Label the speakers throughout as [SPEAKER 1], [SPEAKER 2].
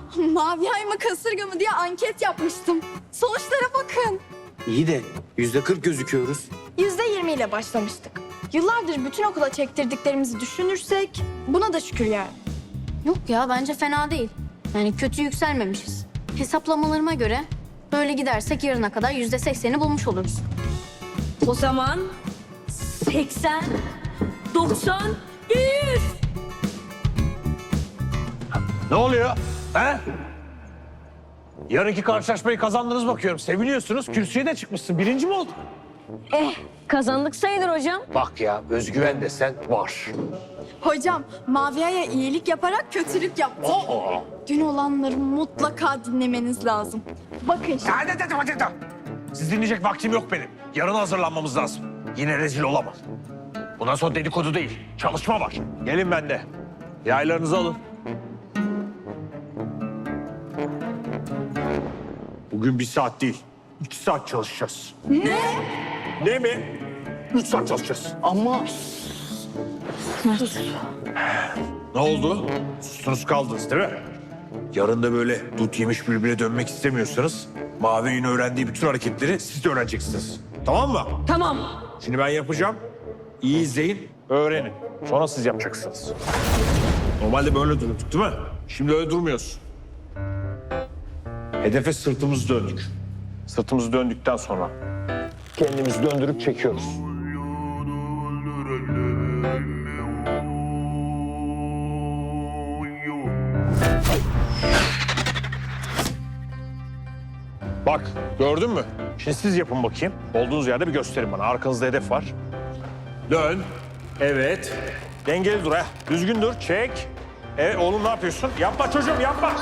[SPEAKER 1] Mavi ay mı kasırga mı diye anket yapmıştım. Sonuçlara bakın.
[SPEAKER 2] İyi de %40 gözüküyoruz.
[SPEAKER 1] %20 ile başlamıştık. Yıllardır bütün okula çektirdiklerimizi düşünürsek buna da şükür yani.
[SPEAKER 3] Yok ya bence fena değil. Yani kötü yükselmemişiz. Hesaplamalarıma göre böyle gidersek yarına kadar %80'i bulmuş oluruz.
[SPEAKER 4] O zaman 80, 90, 100.
[SPEAKER 5] Ne oluyor? He? Yarınki karşılaşmayı kazandınız bakıyorum. Seviniyorsunuz. Kürsüye de çıkmışsın. Birinci mi oldun?
[SPEAKER 4] Kazandık sayılır hocam.
[SPEAKER 5] Bak ya, özgüven desen var.
[SPEAKER 1] Hocam Mavi Ay'a iyilik yaparak kötülük yaptık. Dün olanları mutlaka dinlemeniz lazım. Bakın şimdi.
[SPEAKER 5] Hadi. Siz dinleyecek vaktim yok benim. Yarın hazırlanmamız lazım. Yine rezil olamam. Bundan sonra dedikodu değil, çalışma var. Gelin bende. Yaylarınızı alın. Bugün 1 saat değil, 2 saat çalışacağız.
[SPEAKER 1] Ne?
[SPEAKER 5] Ne mi? 3 saat çalışacağız.
[SPEAKER 2] Ama
[SPEAKER 5] Ne oldu? Sustunuz kaldınız değil mi? Yarın da böyle dut yemiş bülbüle dönmek istemiyorsanız... Mavi'nin öğrendiği bütün hareketleri siz de öğreneceksiniz. Tamam mı?
[SPEAKER 4] Tamam.
[SPEAKER 5] Şimdi ben yapacağım. İyi izleyin, öğrenin. Sonra siz yapacaksınız. Normalde böyle durduk değil mi? Şimdi öyle durmuyoruz. Hedefe sırtımızı döndük. Sırtımızı döndükten sonra kendimizi döndürüp çekiyoruz. Bak, gördün mü? Şimdi siz yapın bakayım. Olduğunuz yerde bir gösterin bana. Arkanızda hedef var. Dön. Evet. Dengeli dur ha. Düzgün dur. Çek. Evet oğlum ne yapıyorsun? Yapma çocuğum yapma.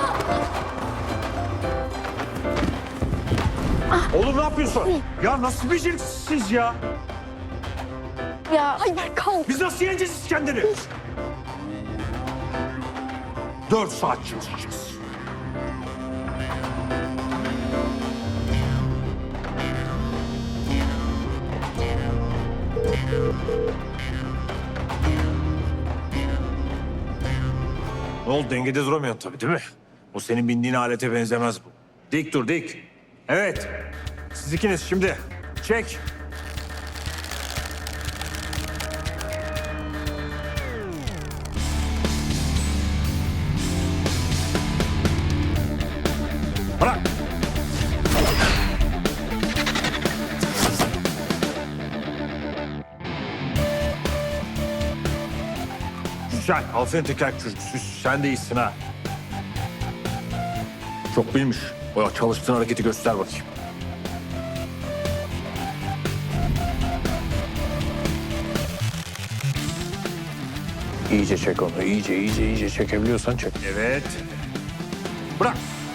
[SPEAKER 5] Oğlum ne yapıyorsun? Ya nasıl beceriksiz ya?
[SPEAKER 1] Ya Ayber kalk.
[SPEAKER 5] Biz nasıl yeneceğiz İskender'i? 4 saat çalışacağız. Ne oldu? Dengede duramıyorsun tabii değil mi? O senin bindiğin alete benzemez bu. Dik dur dik. Evet. Siz ikiniz şimdi. Çek. Bırak. Güzel. Aferin teker çocuk. Sen de iyisin ha. Çok bilmiş. O çalıştığın hareketi göster bakayım. İyice çek onu. İyice çekebiliyorsan çek. Evet. Bırak.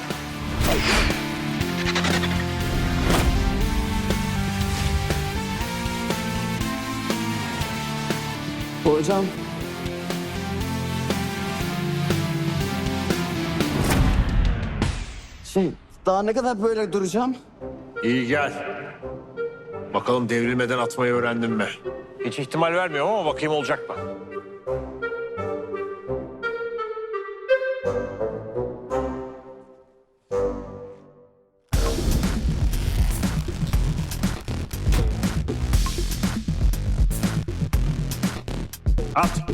[SPEAKER 2] hocam daha ne kadar böyle duracağım?
[SPEAKER 5] İyi gel. Bakalım devrilmeden atmayı öğrendin mi? Hiç ihtimal vermiyorum ama bakayım olacak mı? At.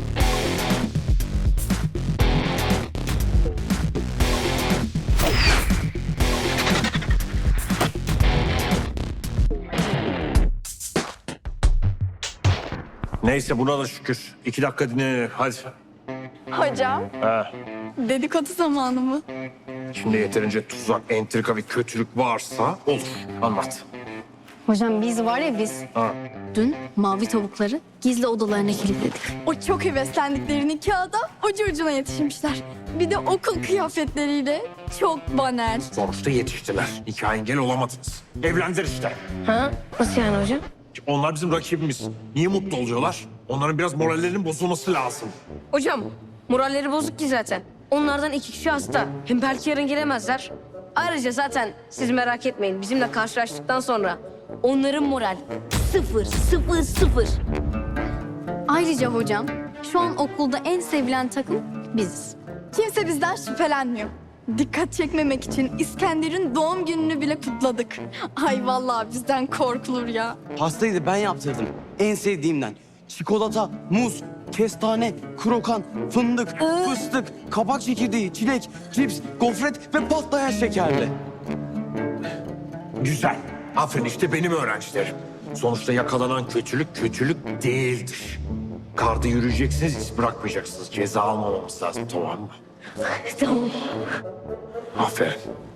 [SPEAKER 5] Neyse buna da şükür. 2 dakika dinlenelim. Hadi.
[SPEAKER 1] Hocam
[SPEAKER 5] Ha.
[SPEAKER 1] dedikodu zamanı mı?
[SPEAKER 5] Şimdi yeterince tuzak, entrika ve kötülük varsa olur. Anlat.
[SPEAKER 3] Hocam biz var ya biz
[SPEAKER 5] Ha.
[SPEAKER 3] dün mavi tavukları gizli odalarına kilitledik.
[SPEAKER 1] O çok heveslendiklerini kağıda ucu ucuna yetişmişler. Bir de okul kıyafetleriyle çok banal.
[SPEAKER 5] Sonuçta yetiştiler. Nikah engel olamadınız. Evlendiler işte.
[SPEAKER 4] Ha? Nasıl yani hocam?
[SPEAKER 5] Onlar bizim rakibimiz. Niye mutlu oluyorlar? Onların biraz morallerinin bozulması lazım.
[SPEAKER 4] Hocam moralleri bozuk ki zaten. Onlardan 2 kişi hasta. Hem belki yarın gelemezler. Ayrıca zaten siz merak etmeyin. Bizimle karşılaştıktan sonra onların moral 0, 0, 0.
[SPEAKER 3] Ayrıca hocam şu an okulda en sevilen takım biziz.
[SPEAKER 1] Kimse bizden şüphelenmiyor. Dikkat çekmemek için İskender'in doğum gününü bile kutladık. Ay vallahi bizden korkulur ya.
[SPEAKER 2] Pastayı da ben yaptırdım. En sevdiğimden. Çikolata, muz, kestane, krokan, fındık, fıstık, kabak çekirdeği, çilek, cips, gofret ve patlayan şekerli.
[SPEAKER 5] Güzel. Aferin, işte benim öğrencilerim. Sonuçta yakalanan kötülük kötülük değildir. Karda yürüyeceksiniz, iz bırakmayacaksınız. Ceza almamamız lazım, tamam mı?
[SPEAKER 4] Tamam.
[SPEAKER 5] Aferin.